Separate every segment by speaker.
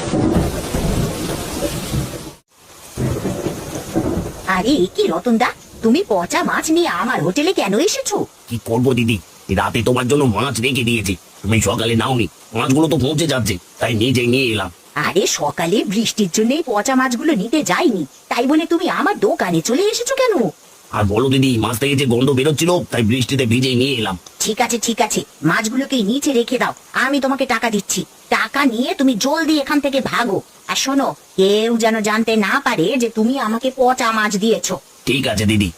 Speaker 1: আরে কি রতনদা, তুমি পচা মাছ নিয়ে আমার হোটেলে কেন এসেছো?
Speaker 2: কি করবো দিদি, রাতে তোমার জন্য মাছ রেখে দিয়েছি, তুমি সকালে নাওনি। মাছগুলো তো পৌঁছে যাচ্ছে, তাই নিজে নিয়ে এলাম।
Speaker 1: আরে সকালে বৃষ্টির জন্য পচা মাছগুলো নিতে যাইনি, তাই বলে তুমি আমার দোকানে চলে এসেছো কেন?
Speaker 2: আর বলো দিদি, মাছ থেকে যে গন্ধ বেরোচ্ছিল তাই বৃষ্টিতে ভিজে নিয়ে এলাম।
Speaker 1: ঠিক আছে ঠিক আছে, মাছগুলোকে নিচে রেখে দাও, আমি তোমাকে টাকা দিচ্ছি। টাকা নিয়ে তুমি জলদি এখান থেকে ভাগো। আর শোনো, কেউ যেন জানতে না পারে যে তুমি আমাকে পচা মাছ দিয়েছো।
Speaker 2: ঠিক আছে দিদি।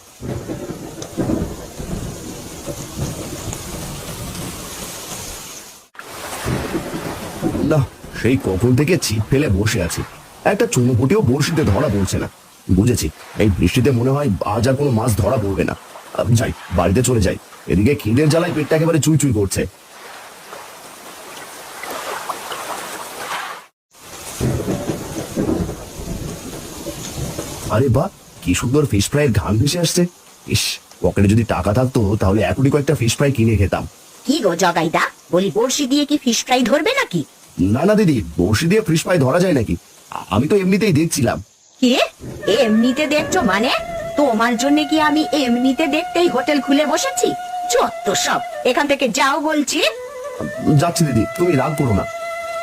Speaker 3: না, সেই কখন থেকে ছিপ ফেলে বসে আছি, একটা চুনোপুটিও বড়শিতে ধরা পড়ছে না। বুঝেছি, এই বৃষ্টিতে মনে হয় আজ আর কোনো মাছ ধরা পড়বে না। যাই, বাড়িতে চলে যাই, এদিকে খিদের জ্বালায় পেটটা একেবারে চুই চুই করছে। আরে বাহ, কি সুন্দর ফিশ ফ্রাইয়ের ঘ্রাণ ভেসে আসছে। ইস, পকেটে যদি টাকা থাকতো তাহলে এখনই কয়েকটা ফিশ ফ্রাই কিনে খেতাম।
Speaker 1: কি গো জগাইদা, বলি বড়শি দিয়ে কি ফিশ ফ্রাই ধরবে নাকি?
Speaker 3: না না দিদি, বড়শি দিয়ে ফিশ ফ্রাই ধরা যায় নাকি? আমি তো এমনিতেই দেখছিলাম।
Speaker 1: কে এমনিতে দেখছো মানে? তোমার জন্য কি আমি এমনিতে দেখতেই হোটেল খুলে বসেছি? যত সব, এখান থেকে যাও বলছি।
Speaker 3: যাচ্ছি দিদি, তুমি রাগ করো না।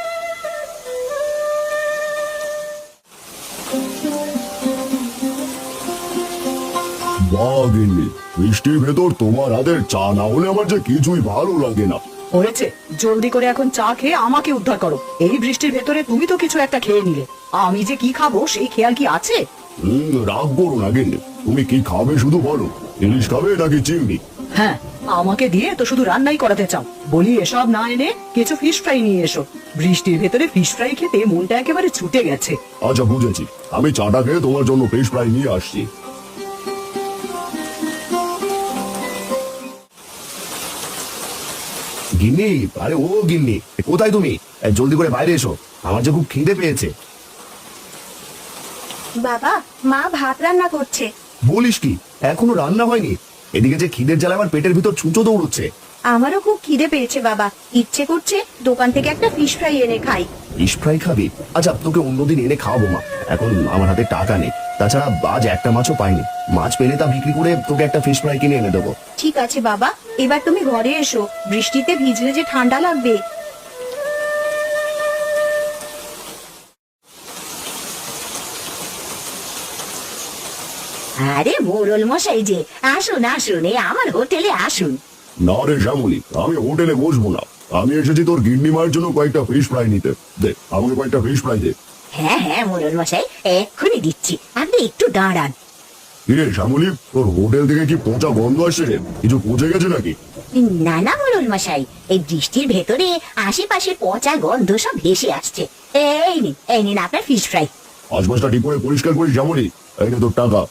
Speaker 3: বাহ গিন্নি, বৃষ্টির ভেতর তোমার হাতের চা না হলে আমার যে কিছুই ভালো লাগে না।
Speaker 4: হয়েছে, জলদি করে এখন চা খেয়ে আমাকে উদ্ধার করো। এই বৃষ্টির ভেতরে তুমি তো কিছু একটা খেয়ে নিলে, আমি যে কি খাবো সেই খেয়াল কি আছে?
Speaker 3: রাগ করো না গিন্নি, তুমি কি খাবে শুধু বলো। ইলিশ খাবে নাকি চিংড়ি?
Speaker 4: হ্যাঁ, আমাকে দিয়ে তো শুধু রান্নাই করাতে চাও। বলি এসব না এনে কিছু ফিশ ফ্রাই নিয়ে এসো। বৃষ্টির ভেতরে ফিশ ফ্রাই খেতে মনটা একেবারে ছুটে গেছে।
Speaker 3: আচ্ছা বুঝেছি, আমি চাটা খেয়ে তোমার জন্য ফিশ ফ্রাই নিয়ে আসছি। গিন্নি, আরে ও গিন্নি, কোথায় তুমি? জলদি করে বাইরে এসো, আমার যে খুব খিদে পেয়েছে।
Speaker 1: বাবা, মা ভাত রান্না করছে।
Speaker 3: বলিস কি, এখনো রান্না হয়নি? এদিকে যে খিদের জ্বালা আমার পেটের ভিতর ছুঁচো দৌড়চ্ছে।
Speaker 1: আমারও খুব খিদে পেয়েছে বাবা, ইচ্ছে করছে দোকান থেকে একটা ফিশ ফ্রাই এনে খাই।
Speaker 3: ফিশ ফ্রাই খাবি? আচ্ছা, তোকে অন্যদিন এনে খাওয়াবো মা, এখন আমার হাতে টাকা নেই। তাছাড়া আজ একটা মাছও পাইনি, মাছ পেলে তা বিক্রি করে তোকে একটা ফিশ ফ্রাই কিনে এনে দেবো।
Speaker 1: ঠিক আছে বাবা, এবার তুমি ঘরে এসো, বৃষ্টিতে ভিজলে যে ঠান্ডা লাগবে। আরে মোড়ল মশাই যে, আসুন আসুন, এই আমার হোটেলে আসুন।
Speaker 3: না রে শ্যামলি, আমি হোটেলে বসবো না, আমি এসেছি তোর গিন্নি মায়ের জন্য কয়েকটা ফিশ ফ্রাই নিতে। দে আমাকে কয়েকটা ফিশ ফ্রাই দে।
Speaker 1: হ্যাঁ হ্যাঁ মোড়ল মশাই, এক্ষুনি দিচ্ছি, আপনি একটু দাঁড়ান।
Speaker 3: কিরে শ্যামলি, তোর হোটেল থেকে কি পচা গন্ধ আসছে রে? কিছু পচে গেছে নাকি?
Speaker 1: না না মোড়ল মশাই, এই বৃষ্টির ভেতরে আশেপাশে পচা গন্ধ সব ভেসে আসছে। এই নিন আপনার ফিশ ফ্রাই।
Speaker 3: আশপাশটা ঠিক করে পরিষ্কার করিস শ্যামলি। এই নে তোর টাকা।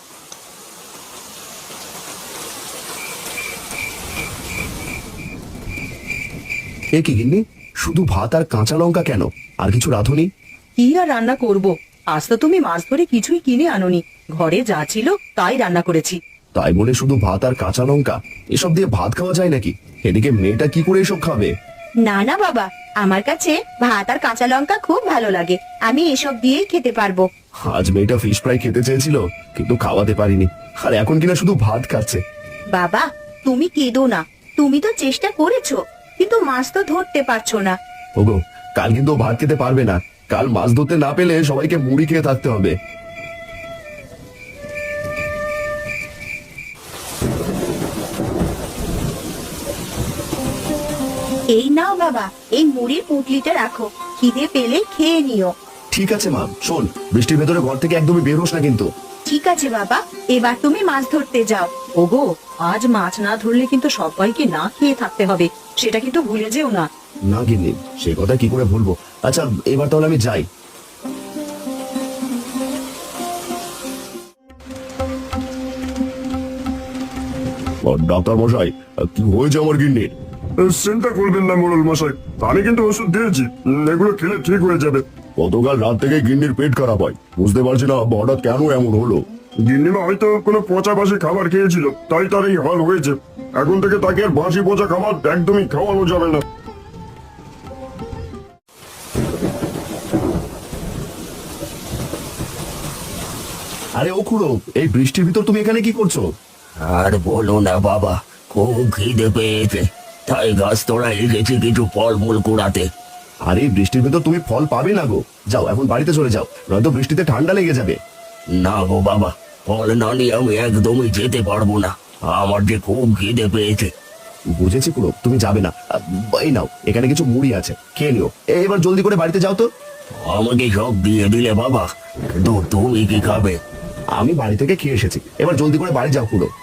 Speaker 3: এ কি গিন্নি, শুধু ভাত আর কাঁচা লঙ্কা কেন? আর কিছু রাঁধুনি?
Speaker 4: কি আর রান্না করব? আজ তো তুমি মাছ ধরে কিছুই কিনে আনোনি, ঘরে যা ছিল তাই রান্না করেছি।
Speaker 3: তাই বলে শুধু ভাত আর কাঁচা লঙ্কা? এসব দিয়ে ভাত খাওয়া যায় নাকি? এদিকে মেয়েটা কি করে এসব খাবে?
Speaker 1: না না বাবা, আমার কাছে ভাত আর কাঁচা লঙ্কা খুব ভালো লাগে, আমি এসব দিয়েই খেতে পারবো।
Speaker 3: আজ মেয়েটা ফিশ ফ্রাই খেতে চেয়েছিল, কিন্তু খাওয়াতে পারিনি, আর এখন কিনা শুধু ভাত খাচ্ছে।
Speaker 1: বাবা তুমি কেঁদো না, তুমি তো চেষ্টা করেছো, কিন্তু মাছ তো ধরতে পারছো না।
Speaker 3: ওগো, কাল কিন্তু ও ভাত খেতে পারবে না, কাল মাছ ধরতে না পেলে সবাইকে মুড়ি খেয়ে থাকতে হবে।
Speaker 1: এই নাও বাবা, এই মুড়ির পুঁটলিটা রাখো, খিদে পেলে খেয়ে নিও।
Speaker 3: ঠিক আছে মা, শোন, বৃষ্টির ভেতরে ঘর থেকে একদমই বের হোস না কিন্তু।
Speaker 1: ঠিক আছে বাবা, এবার তুমি মাছ ধরতে যাও।
Speaker 4: ওগো, আজ মাছ না ধরলে কিন্তু সবাইকে না খেয়ে থাকতে হবে, সেটা কিন্তু ভুলে যেও না।
Speaker 3: না গিন্নি, সে কথা কি করে ভুলবো। আচ্ছা, এবার তাহলে আমি যাই। ডাক্তার মশাই, কি হয়েছে আমার গিন্নির?
Speaker 5: চিন্তা করবেন না মোড়ল মশাই, আমি কিন্তু ওষুধ দিয়েছি, এগুলো খেলে ঠিক হয়ে যাবে।
Speaker 3: গতকাল রাত থেকে গিন্নির পেট খারাপ হয়, বুঝতে পারছি না হঠাৎ কেন এমন হলো।
Speaker 5: গিন্নিমা হয়তো কোনো পচা বাসি খাবার খেয়েছিল, তাই তার এই হাল হয়েছে। এখন থেকে তাকে আর বাসি পচা খাবার একদমই খাওয়ানো যাবে না।
Speaker 3: আরে ও খুড়ো, এই বৃষ্টির ভিতর তুমি এখানে কি করছো?
Speaker 2: আর বলো না বাবা, খুব খিদে পেয়েছে, তাই গাছ তোড়ায় গেছি কিছু ফলমূল কুড়াতে।
Speaker 3: আরে এই বৃষ্টির ভিতর তুমি ফল পাবে না গো, যাও এখন বাড়িতে চলে যাও, নয়তো বৃষ্টিতে ঠান্ডা লেগে যাবে।
Speaker 2: না গো বাবা, ফল না নিয়ে আমি একদমই যেতে পারবো না, আমার যে খুব খিদে পেয়েছে।
Speaker 3: বুঝেছি খুড়ো, তুমি যাবে না। এই নাও, এখানে কিছু মুড়ি আছে, খেয়ে নিও। এবার জলদি করে বাড়িতে যাও তো।
Speaker 2: আমাকে সব দিয়ে দিলে বাবা, কিন্তু তুমি কি খাবে?
Speaker 3: আমি বাড়ি থেকে খেয়ে এসেছি, এবার জলদি করে বাড়ি যাও খুড়ো।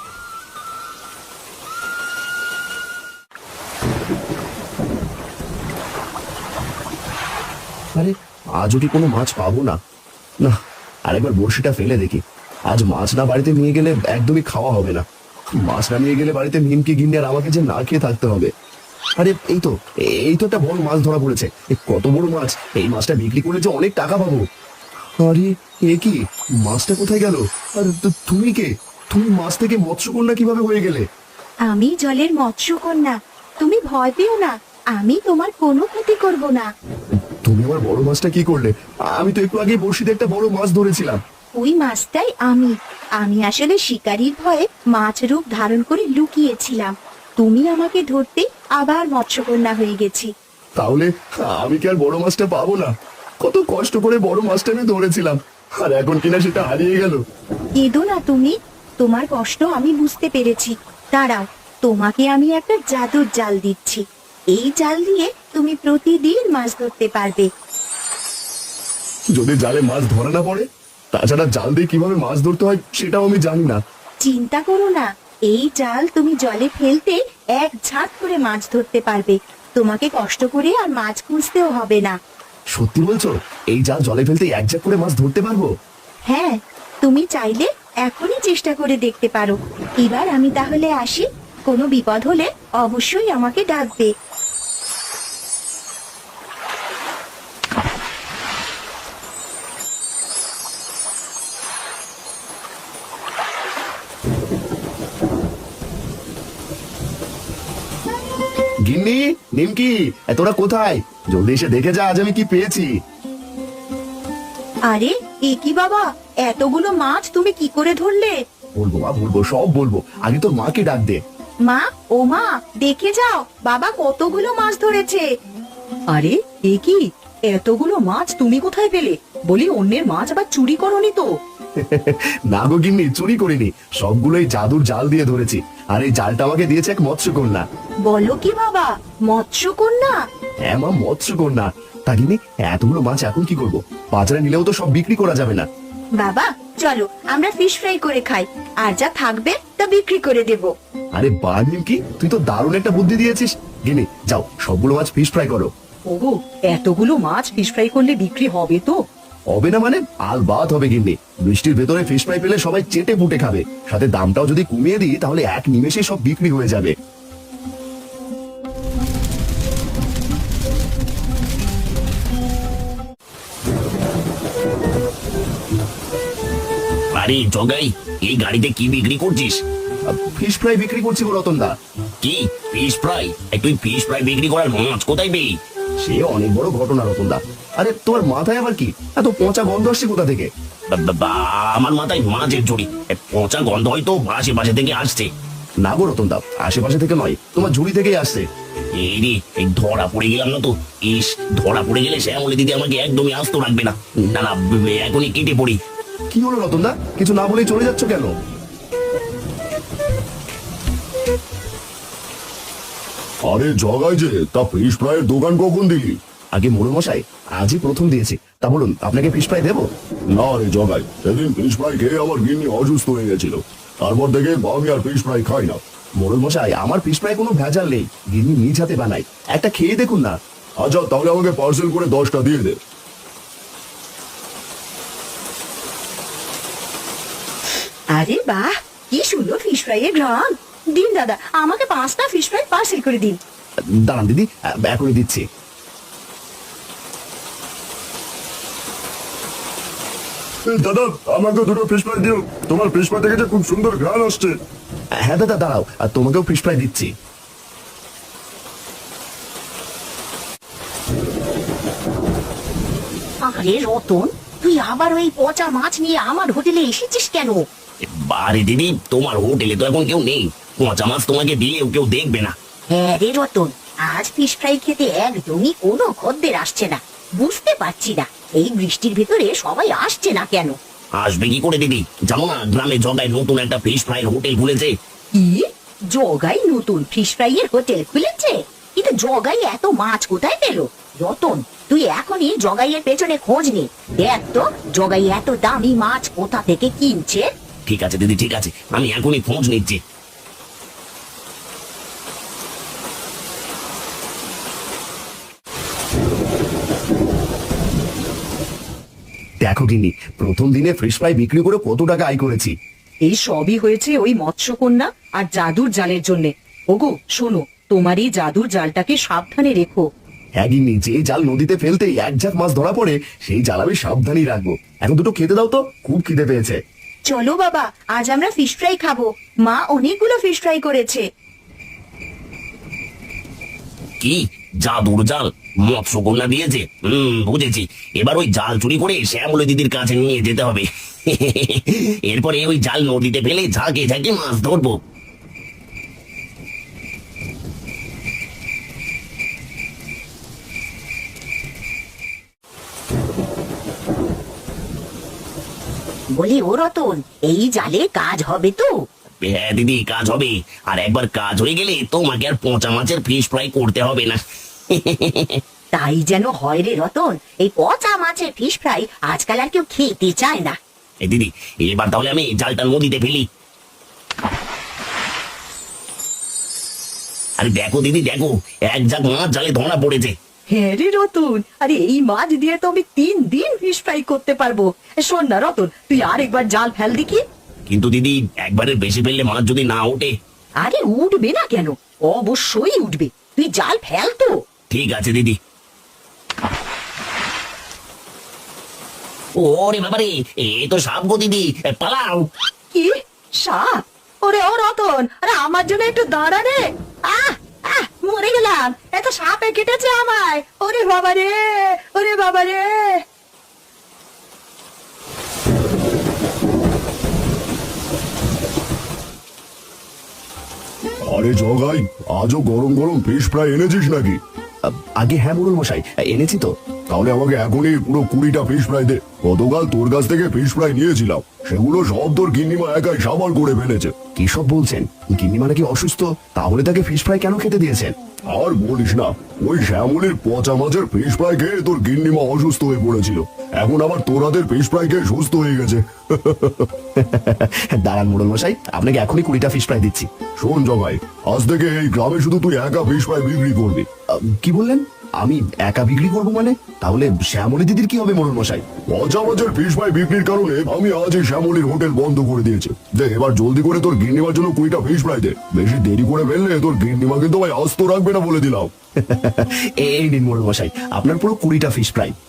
Speaker 3: আরে আজও কি কোনো মাছ পাবো না? না, আরেকবার বড়শিটা ফেলে দেখি। আজ মাছ না বাড়িতে নিয়ে গেলে একদমই খাওয়া হবে না। মাছ না নিয়ে গেলে বাড়িতে মিমকে গিন্নি আর আমাকে যে না খেয়ে থাকতে হবে। আরে এই তো একটা বড় মাছ ধরা পড়েছে। কত বড় মাছ! এই মাছটা বিক্রি করলে যে অনেক টাকা পাবো। আরে এ কি, মাছটা কোথায় গেল? আর তুমি কে? তুমি মাছ থেকে মৎস্যকন্যা কিভাবে হয়ে গেলে?
Speaker 6: আমি জলের মৎস্যকন্যা, তুমি ভয় পেও না, আমি তোমার কোনো ক্ষতি করব না।
Speaker 3: তুমি আমার বড় মাছটা কি করলে? আমি তো একটু আগে বড়শিতে একটা বড় মাছ ধরেছিলাম।
Speaker 6: ওই মাছটাই আমি আসলে শিকারীর ভয়ে মাছ রূপ ধারণ করে লুকিয়েছিলাম। তুমি আমাকে ধরতে আবার মৎস্যকন্যা হয়ে গেছি।
Speaker 3: তাহলে আমি কি আর বড় মাছটা পাবো না? কত কষ্ট করে বড় মাছটা আমি ধরেছিলাম, আর এখন কিনা সেটা হারিয়ে গেল।
Speaker 6: কেঁদো না তুমি, তোমার কষ্ট আমি বুঝতে পেরেছি। দাঁড়াও, তোমাকে আমি একটা জাদুর জাল দিচ্ছি। এই জাল দিয়ে তুমি প্রতিদিন মাছ ধরতে পারবে।
Speaker 3: যদি জালে মাছ ধরা না পড়ে? তাছাড়া জাল দিয়ে কিভাবে মাছ ধরতে হয় সেটাও আমি জানি না।
Speaker 6: চিন্তা করো না, এই জাল তুমি জলে ফেলতে এক ঝাঁক করে মাছ ধরতে পারবে। তোমাকে কষ্ট করে আর মাছ খুঁজতেও হবে না।
Speaker 3: সত্যি বলছো? এই জাল জলে ফেলতে এক ঝাঁক করে মাছ ধরতে পারবো?
Speaker 6: হ্যাঁ, তুমি চাইলে এখনই চেষ্টা করে দেখতে পারো। এবার আমি তাহলে আসি, কোনো বিপদ হলে অবশ্যই আমাকে ডাকবে।
Speaker 3: গিন্নি, নিমকি, তোরা কোথায়? জলদি এসে দেখে যা আজ আমি কি পেয়েছি।
Speaker 6: আরে এ কি বাবা, এতগুলো মাছ তুমি কি করে ধরলে?
Speaker 3: বলবো মা, বলবো, সব বলবো। আগে তোর মাকে ডাক দে।
Speaker 6: মা, ও মা, দেখে যাও বাবা কতগুলো মাছ ধরেছে।
Speaker 4: আরে এ কি, এতগুলো মাছ তুমি কোথায় পেলে? বলি অন্যের মাছ আবার চুরি করনি তো?
Speaker 3: না গো গিন্নি, চুরি করিনি, সবগুলোই জাদুর জাল দিয়ে ধরেছি। আর এই জালটা আমাকে দিয়েছে এক মৎস্যকন্যা।
Speaker 6: বলো কি বাবা, মৎস্যকন্যা?
Speaker 3: হ্যাঁ মা, মৎস্যকন্যা। তা গিন্নি, এতগুলো মাছ এখন কি করবো? বাজারে নিলেও তো সব বিক্রি করা যাবে না।
Speaker 6: বাবা চলো আমরা ফিশ ফ্রাই করে খাই, আর যা থাকবে তা বিক্রি করে দেব।
Speaker 3: আরে বা নিমকি, তুই তো দারুণ একটা বুদ্ধি দিয়েছিস। গিন্নি যাও, সবগুলো মাছ ফিশ ফ্রাই করো।
Speaker 4: ওগো, এতগুলো মাছ ফিশ ফ্রাই করলে বিক্রি হবে তো?
Speaker 3: হবে না মানে? আলবাত হবে গিন্নি। বৃষ্টির ভেতরে ফিশ ফ্রাই পেলে সবাই চেটে পুটে খাবে। সাথে দামটাও যদি কমিয়ে দিই তাহলে এক নিমেষে সব বিক্রি হয়ে যাবে।
Speaker 2: আরে জগাই, এই গাড়িতে কি বিক্রি করছিস?
Speaker 3: ফিশ ফ্রাই বিক্রি করছি গো রতনদা।
Speaker 2: কি ফিশ ফ্রাই? তুই ফিশ ফ্রাই বিক্রি করার মাছ কোথায় পেলি?
Speaker 3: সে অনেক বড় ঘটনা রতনদা। আরে তোমার মাথায় আবার কি এত পচা গন্ধ আসছে কোথা থেকে?
Speaker 2: আমার মাথায় মাছের ঝুড়ি, পচা গন্ধ হয়তো আশেপাশে থেকে আসছে।
Speaker 3: না গো রতনদা, আশেপাশে থেকে নয়, তোমার ঝুড়ি থেকেই আসছে।
Speaker 2: এই রে, এই ধরা পড়ে গেলাম না তো। ইস, ধরা পড়ে গেলে শ্যামলি দিদি আমাকে একদমই আস্ত রাখবে না। না না, এখনই কেটে পড়ি।
Speaker 3: কি হলো রতনদা, কিছু না বলেই চলে যাচ্ছ কেন?
Speaker 5: আরে জগাই যে, তা ফিশ ফ্রাইয়ের দোকান কখন দিলি?
Speaker 3: আগে মোড়ল মশাই, আজই প্রথম দিয়েছি। তা বলুন, আপনাকে ফিশ ফ্রাই দেবো?
Speaker 5: না রে জগাই, সেদিন ফিশ ফ্রাই খেয়ে আমার গিন্নি অসুস্থ হয়ে গেছিল। তারপর থেকে আমি আর ফিশ ফ্রাই খাই না।
Speaker 3: মোড়ল মশাই, আমার ফিশ ফ্রাই কোনো ভেজাল নেই, গিন্নি নিজ হাতে বানাই। একটা খেয়ে দেখুন না।
Speaker 5: আচ্ছা তাহলে আমাকে পার্সেল করে 10টা দিয়ে দে।
Speaker 6: আরে বাহ, কি সুন্দর ফিশ ফ্রাই এর ঘ্রাণ। দিন দাদা, আমাকে 5টা ফিশ ফ্রাই পার্সেল করে দিন।
Speaker 3: দাঁড়ান দিদি, এখনই দিচ্ছি।
Speaker 5: দাদা আমাকে 2টো ফিশ ফ্রাই দিও, তোমার ফিশ ফ্রাই থেকে যে খুব সুন্দর ঘ্রাণ আসছে।
Speaker 3: হ্যাঁ দাদা দাঁড়াও, আর তোমাকেও ফিশ ফ্রাই দিচ্ছি।
Speaker 1: আরে রতন, তুই আবার ওই পচা মাছ নিয়ে আমার হোটেলে এসেছিস কেন?
Speaker 2: বারে দিদি, তোমার হোটেলে তো এখন কেউ নেই, পচা মাছ তোমাকে দিলেও কেউ দেখবে না।
Speaker 1: হ্যাঁ রে রতন, আজ ফিশ ফ্রাই খেতে একদমই কোনো খদ্দের আসছে না। বুঝতে পারছি না এই বৃষ্টির ভিতরে সবাই আসছে না কেন।
Speaker 2: আসবে কি করে দিদি, জানো না গ্রামে জগায় নতুন একটা ফিশ ফ্রাইয়ের হোটেল খুলেছে।
Speaker 1: কি? জগাই নতুন ফিশ ফ্রাই এর হোটেল খুলেছে? কিন্তু জগাই এত মাছ কোথায় পেল? রতন, তুই এখনই জগাইয়ের পেছনে খোঁজ নে, দেখ তো জগাই এত দামি মাছ কোথা থেকে কিনছে।
Speaker 2: ঠিক আছে দিদি, ঠিক আছে, আমি এখনই খোঁজ নিচ্ছি।
Speaker 3: দেখো গিন্নি, প্রথম দিনে ফিশ ফ্রাই বিক্রি করে কত টাকা আয় করেছি।
Speaker 4: এই সবই হয়েছে ওই মৎস্যকন্যা আর জাদুর জালের জন্যে। ওগো শোনো, তোমার এই জাদুর জালটাকে সাবধানে রেখো।
Speaker 3: হ্যাঁ গিন্নি, যে জাল নদীতে ফেলতেই এক ঝাঁক মাছ ধরা পড়ে সেই জাল আমি সাবধানই রাখবো। এখন দুটো খেতে দাও তো, খুব খিদে পেয়েছে।
Speaker 6: চলো বাবা, আজ আমরা ফিশ ফ্রাই খাবো। মা অনেকগুলো ফিশ ফ্রাই করেছে।
Speaker 2: কি জাদুর জাল মৎস্যকন্যা দিয়েছে? বুঝেছি, এবার ওই জাল চুরি করে শ্যামলী দিদির কাছে নিয়ে যেতে হবে। এরপরে ওই জাল নদীতে ফেলে ঝাঁকে ঝাঁকে মাছ ধরবো।
Speaker 1: বলি ও রতন, এই জালে কাজ হবে তো?
Speaker 2: হ্যাঁ দিদি, কাজ হবে। আর একবার কাজ হয়ে গেলে তোমাকে আর পচা মাছের ফিশ ফ্রাই করতে হবে না।
Speaker 1: তাই যেন হয় রে রতন, এই পচা মাছের ফিশ ফ্রাই আজকাল আর কেউ খেতে চায় না।
Speaker 2: এই দিদি, এবার তাহলে আমি জালটা নদীতে ফেলি। আরে দেখো দিদি, দেখো এক ঝাঁক মাছ জালে ধরা পড়েছে।
Speaker 4: হ্যাঁ রে রতন, আরে এই মাছ দিয়ে তো আমি 3 দিন ফিশ ফ্রাই করতে পারবো। শোন না রতন, তুই আর একবার জাল ফেল দেখি।
Speaker 2: কিন্তু দিদি, একবারের বেশি ফেললে মাছ যদি না ওঠে?
Speaker 1: আরে উঠবে না কেন, অবশ্যই উঠবে। তুই জাল ফেল তো।
Speaker 2: ঠিক আছে দিদি। ওরে বাবারে, এ তো সাপ গো দিদি, পালাও।
Speaker 4: কি সাপ? ওরে ও রতন, আরে আমার জন্য একটু দাঁড়া রে। আহ আহ, মরে গেলাম, এত সাপে কেটেছে আমায়। ওরে বাবা রে, ওরে বাবা রে।
Speaker 5: আরে জগাই, আজও গরম গরম ফিশ ফ্রাই এনেছিস নাকি?
Speaker 3: আগে হ্যাঁ মোড়ল মশাই, এনেছি তো।
Speaker 5: তাহলে আমাকে এখনই পুরো 20টা ফিশ ফ্রাই দে। গতকাল তোর কাছ থেকে ফিশ ফ্রাই নিয়েছিলাম, সেগুলো সব তোর গিন্নিমা একাই সাবার করে ফেলেছে।
Speaker 3: কি সব বলছেন? গিন্নিমা নাকি অসুস্থ? তাহলে তাকে ফিশ ফ্রাই কেন খেতে দিয়েছেন?
Speaker 5: আর বলিস না, ওই শ্যামলির পচা মাছের ফিশ ফ্রাই খেয়ে তোর গিন্নিমা অসুস্থ হয়ে পড়েছিল। এখন আবার তোর হাতের ফিশ ফ্রাই খেয়ে সুস্থ হয়ে গেছে।
Speaker 3: দাঁড়ান মোড়ল মশাই, আপনাকে এখনই 20টা ফিশ ফ্রাই দিচ্ছি।
Speaker 5: শোন জগাই, আজ থেকে এই গ্রামে শুধু তুই একা ফিশ ফ্রাই বিক্রি করবি।
Speaker 3: কি বললেন? আমি একা বিক্রি করবো মানে? তাহলে শ্যামলী দিদির কি হবে মোড়ল মশাই?
Speaker 5: পচা মাছের ফিশ ফ্রাই বিক্রির কারণে আমি আজ এই শ্যামলির হোটেল বন্ধ করে দিয়েছি। দেখ, এবার জলদি করে তোর গিন্নিমার জন্য 20টা ফিশ ফ্রাই দে। বেশি দেরি করে ফেললে তোর গিন্নিমা কিন্তু ভাই আস্ত রাখবে না বলে দিলাম।
Speaker 3: এই নিন মোড়ল মশাই, আপনার পুরো 20টা ফিশ ফ্রাই।